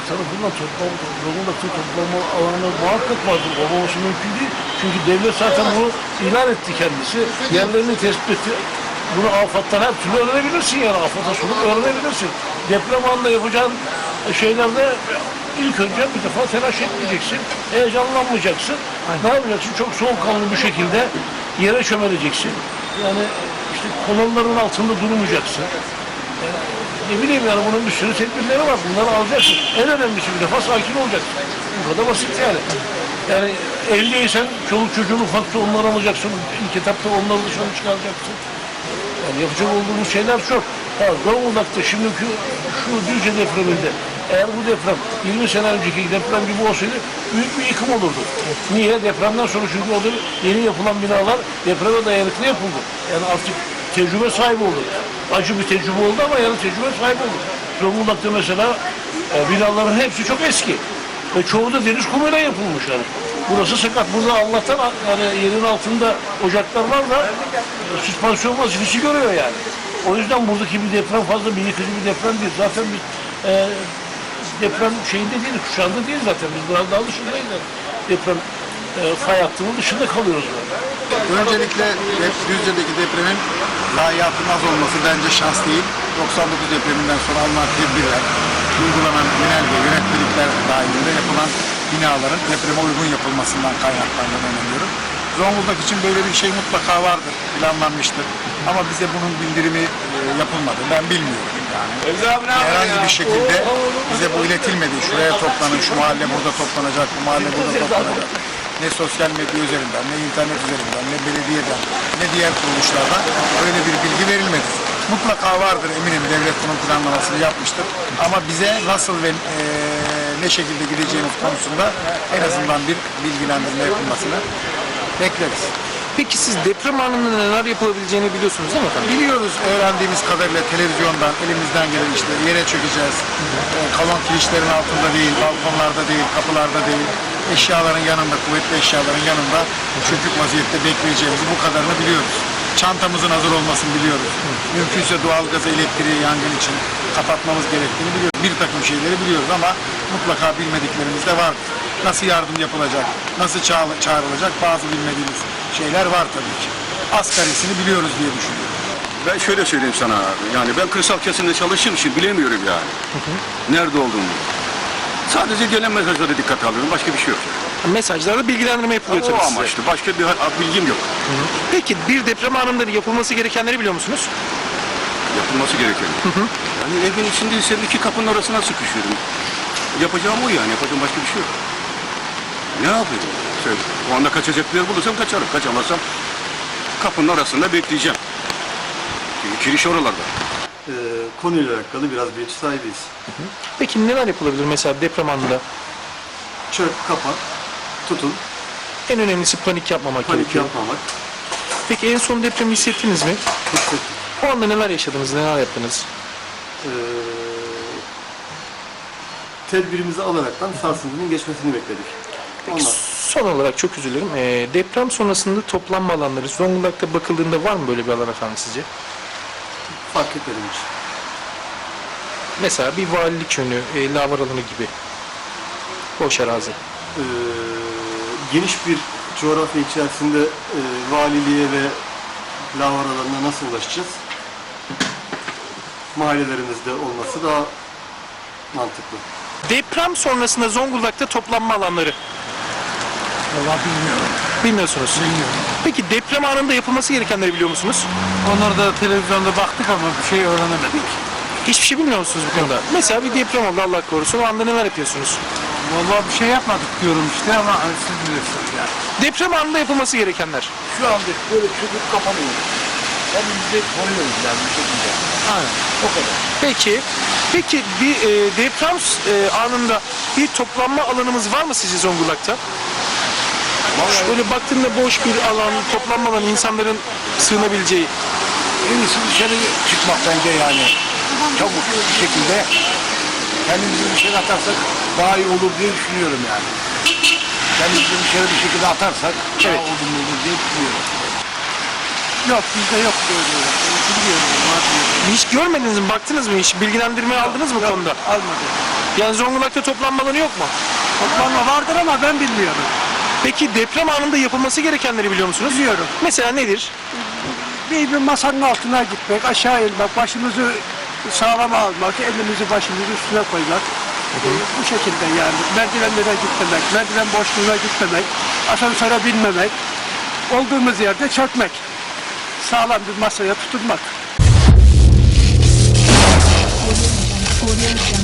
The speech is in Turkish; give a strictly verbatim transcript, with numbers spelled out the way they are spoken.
tarafından toplam, Zonguldak'ta toplanma alanı muhakkak vardır. Olmaması mümkün değil. Çünkü devlet zaten bunu ilan etti kendisi. Yerlerini tespit etti. Bunu afattan her türlü öğrenebilirsin yani. Afata sonup öğrenebilirsin. Deprem anında yapacağın şeylerde ilk önce bir defa telaş etmeyeceksin. Heyecanlanmayacaksın. Aynen. Ne yapacaksın? Çok soğukkanlı bir şekilde yere çömeleceksin. Yani işte kolonların altında durmayacaksın. Yani ne bileyim yani bunun bir sürü tedbirleri var. Bunları alacaksın. En önemlisi bir defa sakin olacaksın. Bu kadar basit yani. Yani evliysen çoluk çocuğun ufakta onları alacaksın. İlk etapta onları dışarı çıkaracaksın. Yani yapacak olduğumuz şeyler çok. Ha, Zonguldak'ta şimdiki şu Düzce depreminde eğer bu deprem yirmi sene önceki deprem gibi olsaydı büyük bir yıkım olurdu. Niye? Depremden sonra çünkü orada yeni yapılan binalar depreme dayanıklı yapıldı. Yani artık tecrübe sahibi oldu. Acı bir tecrübe oldu ama yani tecrübe sahibi oldu. Zonguldak'ta mesela e, binaların hepsi çok eski. Ve çoğu da deniz kumuyla yapılmış yani. Burası sakat. Burada Allah'tan yani yerin altında ocaklar var da e, süspansiyon vazifesi görüyor yani. O yüzden buradaki bir deprem fazla bir yıkıcı bir deprem değil. Zaten biz e, deprem şeyinde değil, kuşağında değil zaten. Biz biraz daha dışındayız yani. Deprem e, fay hattının dışında kalıyoruz yani. Öncelikle Düzce'deki depremin zayiatının az olması bence şans değil. doksan dokuz depreminden sonra alınan tedbirler, uygulanan genelge, yönetmelikler dahilinde yapılan binaların depreme uygun yapılmasından kaynaklandığını inanıyorum. Zonguldak için böyle bir şey mutlaka vardır, planlanmıştır. Ama bize bunun bildirimi e, yapılmadı. Ben bilmiyorum yani. Herhangi bir şekilde bize bu iletilmedi. Şuraya toplanın, şu mahalle burada toplanacak, bu mahalle burada toplanacak. Ne sosyal medya üzerinden, ne internet üzerinden, ne belediyeden, ne diğer kuruluşlardan öyle bir bilgi verilmedi. Mutlaka vardır eminim, devlet bunun planlamasını yapmıştır. Ama bize nasıl ve e, ne şekilde gideceğimiz konusunda en azından bir bilgilendirme yapılmasını bekleriz. Peki siz deprem anında neler yapılabileceğini biliyorsunuz değil mi efendim? Biliyoruz öğrendiğimiz kadarıyla televizyondan elimizden gelen işte yere çökeceğiz. E, kalon kirişlerin altında değil, balkonlarda değil, kapılarda değil. Eşyaların yanında, kuvvetli eşyaların yanında çökük vaziyette bekleyeceğimizi bu kadarını biliyoruz. Çantamızın hazır olmasını biliyoruz. Mümkünse doğalgazı, elektriği, yangın için kapatmamız gerektiğini biliyoruz. Bir takım şeyleri biliyoruz ama mutlaka bilmediklerimiz de var. Nasıl yardım yapılacak, nasıl çağrılacak bazı bilmediğimiz şeyler var tabii ki. Asgarisini biliyoruz diye düşünüyorum. Ben şöyle söyleyeyim sana abi, yani ben kırsal kesimde çalıştığım için bilemiyorum yani. Hı hı. Nerede olduğunu. Sadece gelen mesajlara dikkat alıyorum, başka bir şey yok. Mesajlarda bilgilendirme yapılıyor tabii O size. amaçlı, başka bir bilgim yok. Hı hı. Peki bir deprem anında yapılması gerekenleri biliyor musunuz? Yapılması gereken. Hı hı. Yani evin içindeysem iki kapının arasına sıkışıyorum. Yapacağım o yani, yapacağım başka bir şey yok. Ne yapayım? Söyle. O anda kaçacak bir yer bulursam kaçarım, kaçamazsam kapının arasında bekleyeceğim. Çünkü kiriş oralarda. Ee, konuyla alakalı biraz bilgi sahibiyiz. Hı hı. Peki neler yapılabilir mesela deprem anında? Çök, kapat, tutun, En önemlisi panik yapmamak panik gerekiyor. yapmamak. Peki en son depremi hissettiniz mi? Hissettik. O anda neler yaşadınız, neler yaptınız? Ee, tedbirimizi alaraktan sarsıntının geçmesini bekledik. Peki Ondan son olarak çok üzülürüm. Ee, deprem sonrasında toplanma alanları Zonguldak'ta bakıldığında var mı böyle bir alan efendim sizce? fark etmedim hiç. Mesela bir valilik yönü, e, lavar alanı gibi. Boş arazi. Ee, geniş bir coğrafya içerisinde e, valiliğe ve lavar alanına nasıl ulaşacağız? Mahallelerimizde olması daha mantıklı. Deprem sonrasında Zonguldak'ta toplanma alanları. Vallahi bilmiyorum. Bilmiyorsunuz. Bilmiyorum. Peki deprem anında yapılması gerekenleri biliyor musunuz? Onları da televizyonda baktık ama bir şey öğrenemedik. Hiçbir şey bilmiyor musunuz bu konuda? Mesela bir deprem oldu Allah korusun. O anda neler yapıyorsunuz? Vallahi bir şey yapmadık diyorum işte ama siz bilirsiniz yani. Deprem anında yapılması gerekenler. Şu anda böyle çöküp kapanıyoruz. Kendimizi koruyoruz yani bir şekilde. Aynen. O kadar. Peki, peki bir e, deprem e, anında bir toplanma alanımız var mı sizce Zonguldak'ta? Vallahi Böyle baktığında boş bir alan, toplanma alanı, insanların sığınabileceği. en iyisi dışarı çıkmak bence yani. Çabuk bir şekilde kendimizi dışarı atarsak daha iyi olur diye düşünüyorum yani. Kendimizi dışarı bir şekilde atarsak daha Evet. olumlu olur diye düşünüyorum. Yok bizde yok böyle. Bilmiyorum. var diyor. Hiç görmediniz mi? Baktınız mı? Hiç bilgilendirme aldınız mı bu konuda? Almadı. Yani Zonguldak'ta toplanma alanı yok mu? Toplanma vardır ama ben bilmiyorum. Peki deprem anında yapılması gerekenleri biliyor musunuz? Biliyorum. Mesela nedir? Bir, bir masanın altına gitmek, aşağı inmek, başımızı sağlam almak, elimizi başımızı üstüne koymak. Ee, bu şekilde yani. Merdivenlere gitmemek, merdiven boşluğuna gitmemek, asansöre binmemek, olduğumuz yerde çökmek. Sağlam bir masaya tutunmak. Audio Jungle.